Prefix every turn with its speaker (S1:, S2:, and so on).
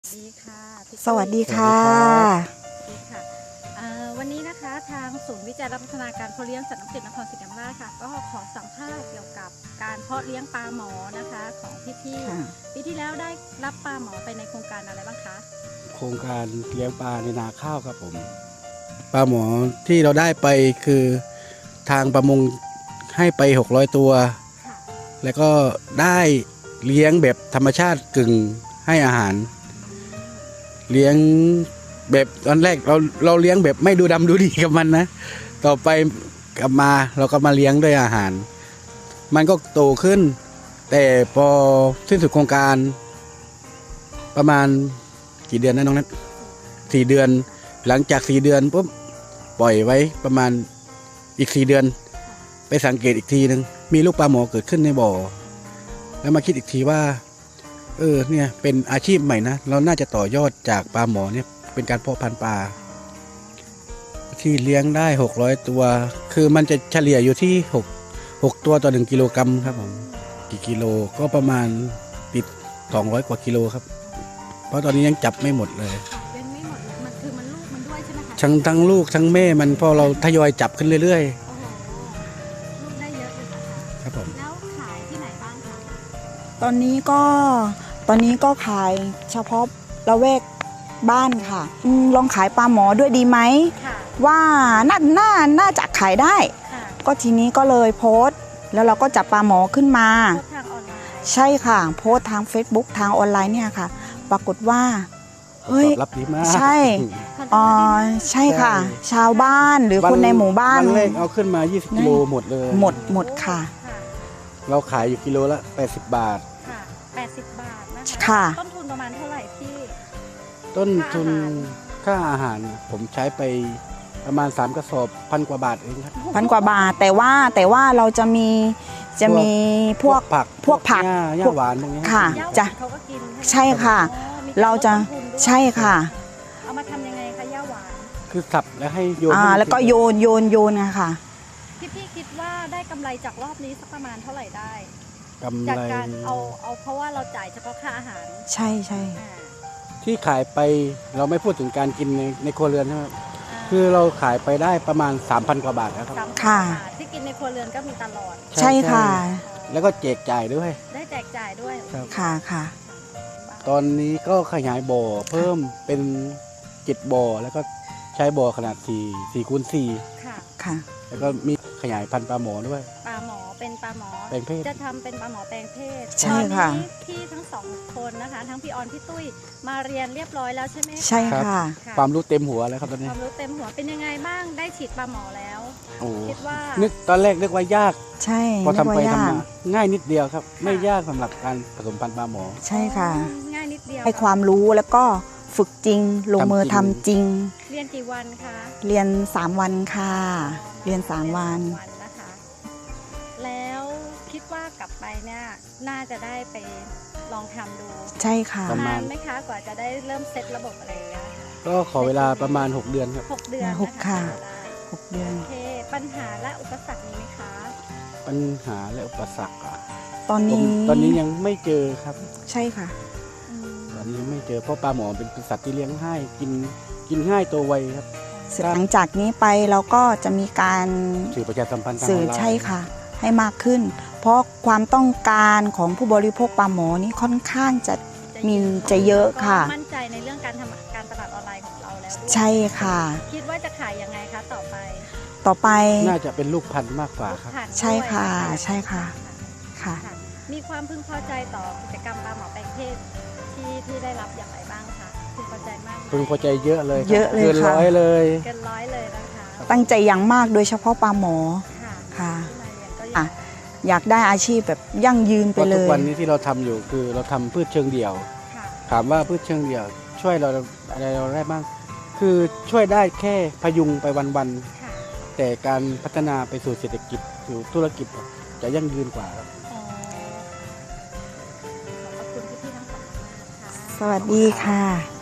S1: ดีค่ะพี่
S2: สวัสดีค่ะ
S1: ดีค่ะวันนี้นะคะทางศูนย์วิจัยและพัฒนาการเพาะเลี้ยงสัตว์น้ำจืดนครศรีธรรมราชค่ะก็ขอสัมภาษณ์เกี่ยวกับการเพาะเลี้ยงปลาหมอนะคะของพี่ๆปีที่แล้วได้รับปลาหมอไปในโครงการอะไรบ้างคะ
S3: โครงการเลี้ยงปลาในนาข้าวครับผมปลาหมอที่เราได้ไปคือทางประมงให้ไป600ตัวแล้วก็ได้เลี้ยงแบบธรรมชาติกึ่งให้อาหารเลี้ยงแบบตอนแรกเราเลี้ยงแบบไม่ดูดำดูดีกับมันนะต่อไปกลับมาเราก็มาเลี้ยงด้วยอาหาร มันก็โตขึ้นแต่พอสิ้นสุดโครงการประมาณกี่เดือนนะน้องนัท4 เดือนหลังจาก4 เดือนปุ๊บปล่อยไว้ประมาณอีก4 เดือนไปสังเกตอีกทีนึงมีลูกปลาหมอเกิดขึ้นในบ่อแล้วมาคิดอีกทีว่าเนี่ยเป็นอาชีพใหม่นะเราน่าจะต่อยอดจากปลาหมอเนี่ยเป็นการเพาะพันธุ์ปลาที่เลี้ยงได้600ตัวคือมันจะเฉลี่ยอยู่ที่6ตัวต่อ1 กิโลกรัมครับผมกี่กิโลก็ประมาณติด200 กว่ากิโลครับเพราะตอนนี้ยังจับไม่หมดเลย
S1: ยังไม่หมดเลยมันคือมันลูกมันด้วยใช่ไหมคะ
S3: ทั้งลูกทั้งแม่มันพอเราทยอยจับขึ้นเรื่อย
S1: โอ้โหลูกได้เยอะเลยนะคะ
S3: ครับผม
S1: แล้วขายที่ไหนบ้างคะ
S2: ตอนนี้ก็ขายเฉพาะละแวกบ้านค่ะลองขายปลาหมอด้วยดีไหมว่าน่าจะขายได้ก็ทีนี้ก็เลยโพสต์แล้วเราก็จับปลาหมอขึ้นมา
S1: ทางออนไลน์
S2: ใช่ค่ะโพสต์ทาง Facebook ทางออนไลน์เนี่ยค่ะปรากฏว่าเฮ้ย
S3: ตอบรับดีมาก
S2: ใช่ใช่ค่ะชาวบ้านหรือคนในหมู่บ้าน
S3: วันแรกเอาขึ้นมา20 กิโลหมดเลย
S2: หมดค่ะ
S3: เราขายอยู่กิโลละ80 บาท
S1: ค่ะ80 บาทนะคะ
S2: ค่ะ
S1: ต้นทุนประมาณเท่าไหร่พี่
S3: ต้นทุนค่าอาหารผมใช้ไปประมาณ3 กระสอบ1,000 กว่าบาทเองครับ
S2: 1,000 กว่าบาทแต่ว่าเราจะมีพวกผัก
S3: หญ้าหวานพวกนี้
S2: ค่ะจะ
S1: เขาก็กิน
S2: ใช่ค่ะเราจะใช่ค่ะ
S1: เอามาทำยังไงคะหญ้าหวาน
S3: คือสับแล้วให้โยน
S2: แล้วก็โยนค่ะ
S1: พี่คิดว่าได้กำไรจากรอบนี้สักประมาณเท่าไหร่ได้
S3: กำไร
S1: จากการเอาเพราะว่าเราจ่ายเฉพาะค่าอาหาร
S2: ใช่
S3: ที่ขายไปเราไม่พูดถึงการกินในครัวเรือนใช่ไหมคือเราขายไปได้ประมาณ 3,000 กว่าบาทครับ
S2: ค่ะ
S1: ที่กินในครัวเรือนก็มีตลอด
S2: ใช่ค่ะ
S3: แล้วก็แจกจ่ายด้วย
S1: ได้แจกจ่ายด้วย
S2: ค่ะ
S3: ตอนนี้ก็ขยายบ่อเพิ่มเป็น7 บ่อแล้วก็ใช้บ่อขนาด4 คูณ 4
S2: ค่ะ
S3: แล้วก็มีขยายพันธุ์ปลาหมอด้วย
S1: ปลาหมอเป็นปลาหมอ
S3: แปลงเพศ
S1: จะทำเป็นปลาหมอแปลงเพศ
S2: ใช่ค่ะ
S1: พี่ทั้ง2 คนนะคะทั้งพี่ออนพี่ตุ้ยมาเรียนเรียบร้อยแล้วใช่ไหม
S2: ใช่ค่ะ
S3: ความรู้เต็มหัวแล้วครับตอนนี้
S1: ความรู้เต็มหัวเป็นยังไงบ้างได้ฉีดปลาหมอแล้วคิดว่า
S3: ตอนแรกนึกว่ายาก
S2: ใช่
S3: พอทำไปทำมาง่ายนิดเดียวครับไม่ยากสำหรับการผสมพันธุ์ปลาหมอ
S2: ใช่ค่ะ
S1: ง่ายนิดเดียว
S2: ให้ความรู้แล้วก็ฝึกจริงลงมือทำจริง
S1: เรียนกี่วันคะ
S2: เรียน3 วันค่ะเรียน3 วัน
S1: นะคะแล้วคิดว่ากลับไปเนี่ยน่าจะได้ไปลองทำดู
S2: ใช่ค่ะ
S1: นานไหมคะกว่าจะได้เริ่มเซตระบบอะไรอย่างเงี้ย
S3: ก็ขอเวลาประมาณ6 เดือนครับ
S1: 6 เดือน
S2: ค่ะ6 เดือน
S1: โอเคปัญหาและอุปสรรคมีไหมคะ
S3: ปัญหาและอุปสรรค
S2: ตอน
S3: นี้ยังไม่เจอครับ
S2: ใช่ค่ะ
S3: ตอนนี้ไม่เจอเพราะปลาหมอเป็นสัตว์ที่เลี้ยงง่ายกินง่ายตัวไวครับ
S2: หลังจากนี้ไปเราก็จะมีการ
S3: สื่อประชาสัมพันธ์
S2: สื่อใช่ค่ะให้มากขึ้นเพราะความต้องการของผู้บริโภคปลาหมอนี้ค่อนข้างจะเยอะค่ะ
S1: มั่นใจในเรื่องการทำการตลาดออนไลน์ของเราแล้ว
S2: ใช่ค่ะ
S1: คิดว่าจะขายยังไงคะต่อไป
S3: น่าจะเป็นลูกพันธุ์มากกว่าครับ
S2: ใช่ค่ะค่ะ
S1: มีความพึงพอใจต่อกิจกรรมปลาหมอแปลงเพศที่ได้รับอย่างไรบ้างคะพึงพอใจมาก
S3: พึงพอใจเยอะเลย
S2: เกิน
S3: 100เลย
S1: นะคะ
S2: ตั้งใจอย่างมากโดยเฉพาะปลาหมอค่ะอยากได้อาชีพแบบยั่งยืนไปเลย
S3: ทุกวันนี้ที่เราทำอยู่คือเราทำพืชเชิงเดี่ยวถามว่าพืชเชิงเดี่ยวช่วยเราอะไรเราได้บ้างคือช่วยได้แค่พยุงไปวันๆแต่การพัฒนาไปสู่เศรษฐกิจสู่ธุรกิจจะยั่งยืนกว่าครับ
S1: ขอบคุณพี่ทั้งสองมากค่ะ
S2: สวัสดีค่ะ